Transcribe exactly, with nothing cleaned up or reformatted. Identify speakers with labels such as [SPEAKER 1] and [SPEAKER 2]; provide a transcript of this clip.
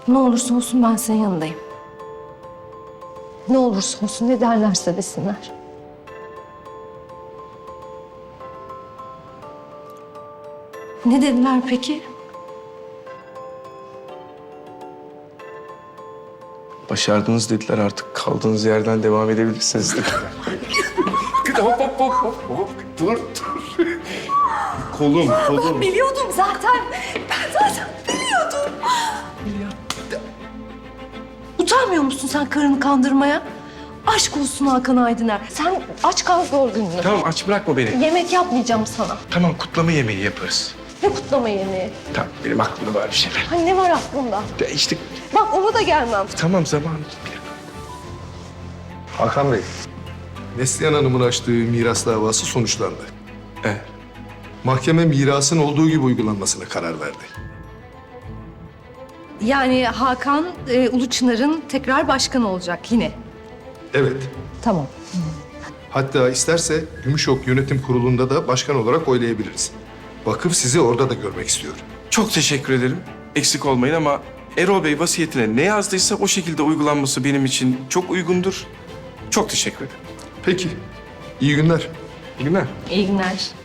[SPEAKER 1] Ne olursa olsun ben senin yanındayım. Ne olursa olsun, ne derlerse desinler. Ne dediler peki?
[SPEAKER 2] Başardınız dediler, artık kaldığınız yerden devam edebilirsiniz dediler. hop hop hop hop hop. Dur dur. Kolum kolum.
[SPEAKER 1] Biliyordum zaten. Ben zaten biliyordum. Utanmıyor musun sen karını kandırmaya? Aşk olsun Hakan Aydıner. Sen aç kal gör gününü.
[SPEAKER 2] Tamam, aç bırakma beni.
[SPEAKER 1] Yemek yapmayacağım sana.
[SPEAKER 2] Tamam, kutlama yemeği yaparız.
[SPEAKER 1] Ne kutlama yemeği?
[SPEAKER 2] Tamam, benim aklımda var bir şeyler.
[SPEAKER 1] Hani ne var aklında?
[SPEAKER 2] Ya işte
[SPEAKER 1] Bak ona da gelmem.
[SPEAKER 2] tamam, zaman.
[SPEAKER 3] Hakan Bey, Neslihan Hanım'ın açtığı miras davası sonuçlandı.
[SPEAKER 2] Evet.
[SPEAKER 3] Mahkeme mirasın olduğu gibi uygulanmasına karar verdi.
[SPEAKER 1] Yani Hakan e, Uluçınar'ın tekrar başkanı olacak yine.
[SPEAKER 3] Evet.
[SPEAKER 1] Tamam.
[SPEAKER 3] Hatta isterse Gümüşok Yönetim Kurulu'nda da başkan olarak oylayabiliriz. Vakıf sizi orada da görmek istiyor.
[SPEAKER 2] Çok teşekkür ederim. Eksik olmayın ama Erol Bey vasiyetine ne yazdıysa o şekilde uygulanması benim için çok uygundur. Çok teşekkür ederim.
[SPEAKER 3] Peki, iyi günler.
[SPEAKER 2] İyi günler.
[SPEAKER 1] İyi günler.